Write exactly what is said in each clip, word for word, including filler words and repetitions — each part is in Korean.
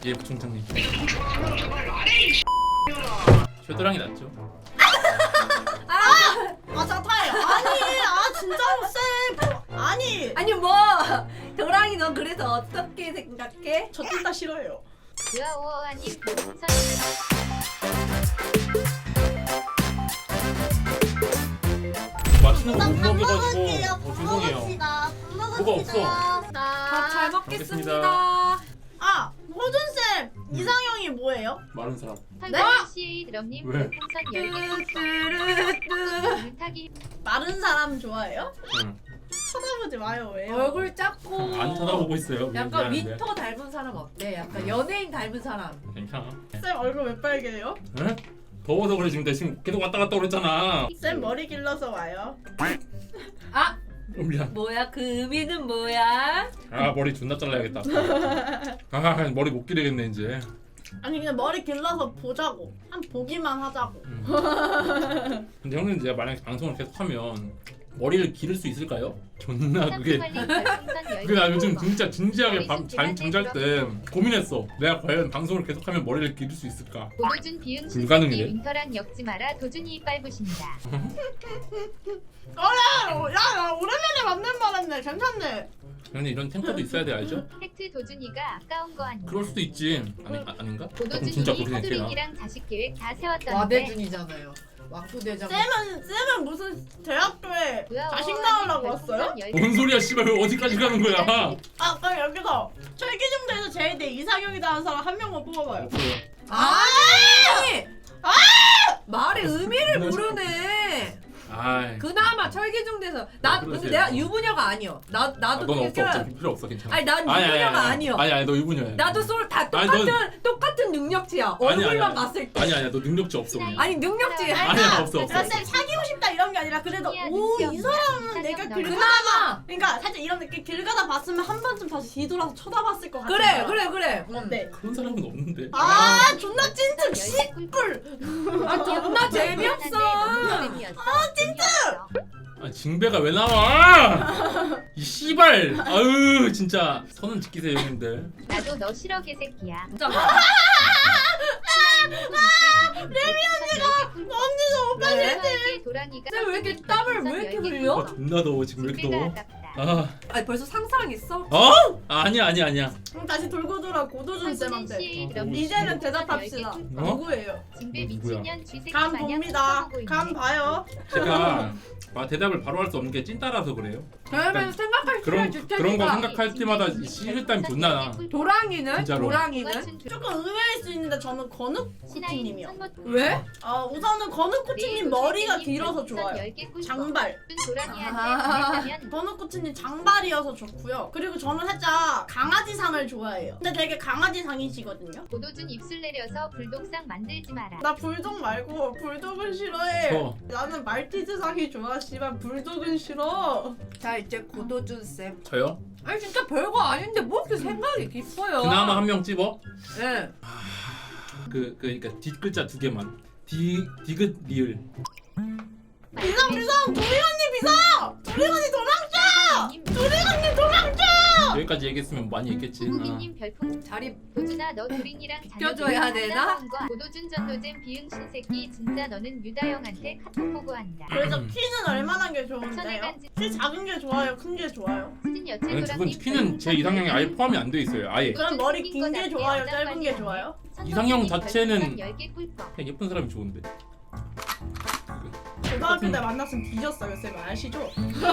예, 부총장님. 쉐도랑이 낫죠? 아 자타요. 아니 아 진짜로 쌤. 아니 아니 뭐 도랑이 넌 그래서 어떻게 생각해? 저 둘 다 싫어요. 유아오아님 별풍선 맛있는 거 못 밥 먹여가지고 먹을게요. 어, 죄송해요. 먹읍시다. 밥 뭐가 없어. 밥 잘 먹겠습니다. 먹겠습니다. 아 호준 쌤 이상형이 뭐예요? 마른 사람. 털갈씨 드럼님 왜? 별풍선 열 개 뚜루뚜루. 물타기 마른 사람 좋아해요? 응. 쳐다보지 마요 왜요? 얼굴 작고 안 쳐다보고 있어요. 약간 미안한데. 윈터 닮은 사람 어때? 약간 연예인 닮은 사람. 괜찮아. 쌤 얼굴 왜 빨개요? 에? 더워서 그래 지금. 내 지금 계속 왔다 갔다 그랬잖아. 쌤 머리 길러서 와요. 아 어, 미안. 뭐야 그 의미는 뭐야? 아 머리 존나 잘라야겠다. 아 머리 못 기르겠네 이제. 아니 그냥 머리 길러서 보자고. 한 보기만 하자고. 음. 근데 형님 이제 만약에 방송을 계속하면 머리를 기를 수 있을까요? 존나 그게 그게 나 요즘 진짜 진지하게 밤 잠, 잠잘 때 고민했어. 내가 과연 방송을 계속하면 머리를 기를 수 있을까? 고도준 비응 불가능이네. 신세기 윈터랑 엮지 마라 도준이 빨부신다. 야, 야, 오랜만에 맞는 말했네. 괜찮네. 형님 이런 탱커도 있어야 돼 알죠? 팩트 도준이가 아까운 거 아니야. 그럴 수도 있지. 아니 아, 아닌가? 그럼 고도준이 진짜 그렇게 생각해요. 서두링이랑 자식 계획 다 세웠던데 와대준이잖아요. 왕부대장. 쌤은 쌤은 무슨 대학교에 유아오아님 자식 낳으려고 별풍선 왔어요? 열 개 뭔 소리야 씨발 왜 어디까지 가는 거야? 아 그럼 여기서 철기중대에서 제일 내 이상형이다 하는 사람 한 명만 뽑아봐요. 없어요. 아니. 아! 말의 의미를 나 모르네. 아이. 그나마 철기중대에서 나 그러세요. 근데 내가 유부녀가 아니여. 나 아, 나도 넌 없어 그렇게 없어 필요 없어 괜찮아. 아니 난 유부녀가 아니여. 아니 아니 너 유부녀야. 나도 솔 다 아니, 똑같은 넌- 똑같은 능력치야. 아니, 아니, 얼굴만 아니. 봤을 때. 아니 아니야 너 능력치 없어 그냥. 아니 능력치. 아니야, 없어, 없어. 그러니까 쌤 사귀고 싶다 이런 게 아니라 그래도 아니야, 오 눈치 이 없나? 사람은 내가 사귀었나? 길 그나마. 그러니까 살짝 이런 느낌 길 가다 봤으면 한 번쯤 다시 뒤돌아서 쳐다봤을 것 같아. 그래 그래 그래. 어때? 그런 사람은 없는데. 아 존나 찐득 씨뿔. 아 존나 재미없어. 아 진짜. 아 징배가 왜 나와? 이 씨발. 아유 진짜 선은 지키세요 형님들. 나도 너 싫어 개새끼야. 진짜. 레미 언니가 언니도 오빠 네. 도랑이가 쌤, 왜 이렇게 땀을 왜 이렇게 흘려? 아 존나 더워 지금 왜 이렇게 더워? 아깝다. 아, 아니 벌써 상상했어? 어? 아, 아니야 아니야 아니야. 그럼 다시 돌고 돌아 고도준 쌤한테. 이제는 대답합시다. 어? 누구예요? 진배 누구야? 미친년 쥐새끼 감 마냥 봅니다. 쳐다보고 있네. 감 봐요. 제가 아, 대답을 바로 할 수 없는 게 찐따라서 그래요. 그러면 생각할 그런 시간 그런 거 주체니까. 생각할 때마다 시일땀이 존나 나. 도랑이는? 진짜로. 도랑이는? 조금 의외일 수 있는데 저는 건욱 신하인 코치님이요. 선모 왜? 아 우선은 건욱 코치님 머리가 길어서 좋아요. 장발. 도랑이한테 아. 보냈다면 건욱 코치님 장발이어서 좋고요. 그리고 저는 살짝 강아지상을 좋아해요. 근데 되게 강아지상이시거든요. 고도준 입술 내려서 불독상 만들지 마라. 나 불독 말고 불독은 싫어해. 저. 나는 말티즈상이 좋아. 씨발 불독은 싫어. 자 이제 고도준 쌤. 저요? 아니 진짜 별거 아닌데 뭐 이렇게 생각이 깊어요? 그나마 한 명 찝어? 네. 그, 그 그러니까 뒷글자 두 개만. 디 디귿 리을. 비상 비상 도리 언니 비상. 도리 언니 도망쳐. 도리 언니 도망쳐. 여기까지 얘기했으면 많이 했겠지. 아. 후기님 별풍 자리 도준아 너 도린이랑 껴줘야 되나? 고도준 전노잼 비응 신새끼 진짜 너는 유다영한테 카톡 보고한다. 그래서 음. 키는 얼마나 게 좋은데요? 천혜간지 키 작은 게 좋아요? 큰 게 좋아요? 수진 여체 아니, 두분 도랑님 키는 제 이상형에 아예 포함이 안 돼 있어요. 아예. 그럼 머리 긴 게 좋아요? 짧은 게 좋아요? 이상형 자체는 열개 꿀꺽. 그냥 예쁜 사람이 좋은데. 고등학교 때 만났으면 뒤졌어요 쌤 아시죠?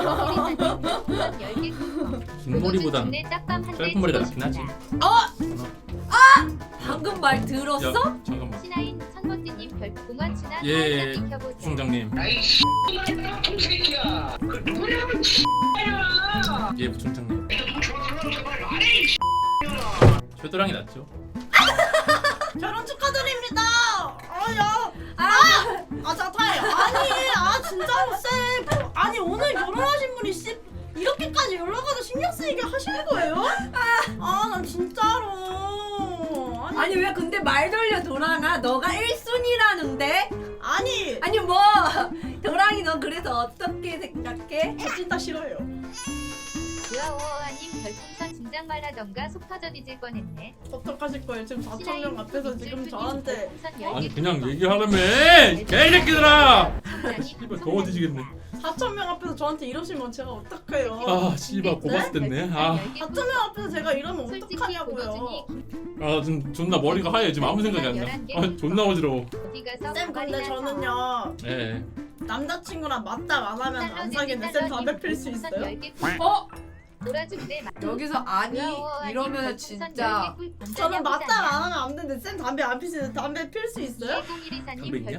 열개 꿀꺽. 긴 머리보단 고도준 딱밤 한대 짧은 머리가 치고 낫긴 하지. 싶다. 방금 말 들었어? 야, 잠깐만. 신하인 천모띠님 별 공원치나 예, 예, 살짝 비켜보자. 부총장님. 아이 씨발놈 동새끼야. 그 누구냐면 씨발이야. 예, 부총장님. 좀 좋아하는 제발 안 해. 이 쉐도랑이 낫죠? 결혼 축하드립니다. 아야. 아! 아 자타요. 아니 아 진짜로 쌤. 아니 오늘 결혼하신 분이 씨 이렇게까지 연락하다 신경 쓰이게 하시는 거예요? 아 난 진짜로. 아니 아니 왜 근데 말 돌려 도랑아 너가 일 순위라는데? 아니 아니 뭐 도랑이 넌 그래서 어떻게 생각해? 저 진짜 싫어요. 유아오아님 별풍선 진짜 당장 말하던가 속 터져 뒤질 뻔했네. 어떡하실 거예요? 지금 사천 명 앞에서 지금 저한테 아니 그냥 얘기하라며 개새끼들아. 씨발 더워 뒤지겠네. 사천 명 앞에서 저한테 이러시면 제가 어떡해요? 아 씨발 고바스 됐네. 아, 사천 명 앞에서 제가 이러면 솔직히 어떡하냐고요? 고도준이 아 지금 존나 머리가 하얘. 지금 아무 생각이 안 나. 아 존나 어지러워. 어디 가서 쌤 근데 가발이나 저는요 예. 남자친구랑 맞다 안 하면 안 사귀는데 쌤 담배 필 수 있어요? 어? 놀아준대. 여기서 아니 이러면 진짜 저는 맞다 안 하면 안 되는데 쌤 담배 안 피시는데 담배 필 수 있어요? 담배 이공일이사님 있냐?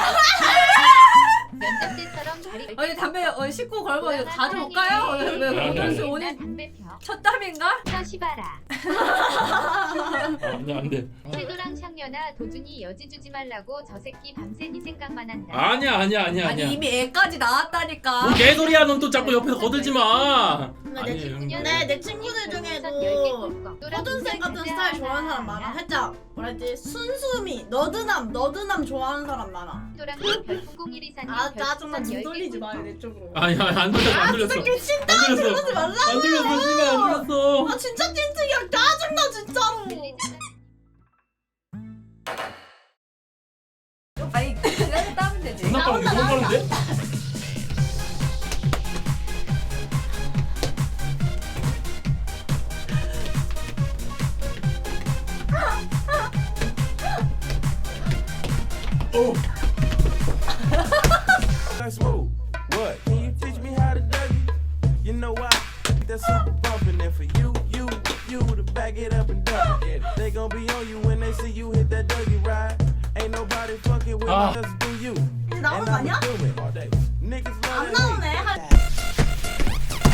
면접 때처럼 다리 아니 담배 어, 씻고 걸고 자주 올까요? 왜 그러시 오늘 담배 펴. 첫 담인가? 펴 시바라. 아, 안돼 안돼. 태도랑 샹녀나 도준이 여지 주지 말라고 저 새끼 밤새 네 생각만 한다. 아니야 아니야 아니야 아니 아니야. 이미 애까지 나왔다니까. 뭐 개소리야. 넌 또 자꾸 옆에서 거들지 마. 근데 내 아니에요. 친구 형님. 네, 내 친구들 중에도 허준쌤 같은 스타일 좋아하는 사람 많아. 살짝 뭐랄지 순수미, 너드남, 너드남 좋아하는 사람 많아. 아 짜증나 눈 돌리지 마요 내 쪽으로. 아니 아니 안 들렸어 안 들렸어. 새끼 진짜 안 들렸어. 그러지 말라고. 안 들렸어 씨발 안 들렸어. 아 진짜 찐득이야 짜증나 진짜로. 아니 그냥 따면 되지. 존나 빠른데 너무 빠른데? 오. That's smooth. What? Can you teach me how to dougie? You know why? That's super bumpin' and for you, you, you to back it up and dump it. They gon' be on you when they see you hit that dougie ride. Ain't nobody fucking with Ah. me, just do you. 이제 나오는 And 거 아니야? I'ma do it all day. Niggas love 안 that 나오네. hate. 한-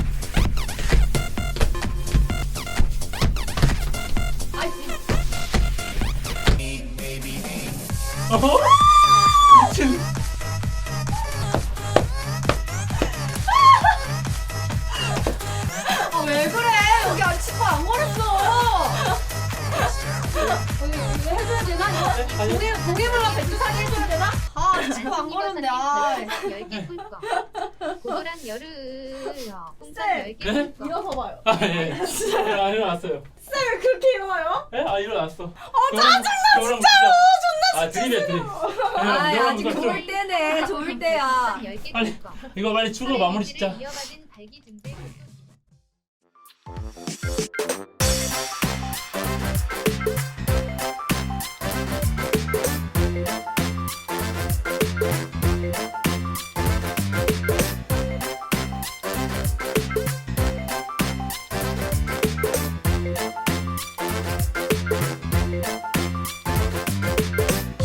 어허? 미친. 아, 왜 그래? 여기 아직 치과 안 걸었어. 여기 이거 해줘야 되나? 이거 고개 고개물러 백두산이 해줘야 되나? 아 지금 안 걸었는데. 아. 열개 꿀꺽. 고도랑 여르. 풍선 쌤. 열개 네? 꿀꺽. 일어서 봐요. 아 예. 예, 아 일어났어요. 쌤 왜 그렇게 일어나요? 예? 아 일어났어. 아 짜증나 진짜로 존나 아 드립이야 드립. 아 예, 아직 좀- 좋을 때네. 좋을 때야. 풍선 열개 빨리. 꿀꺽. 이거 빨리 추고 마무리 짓자. 이어받은 발기 증세.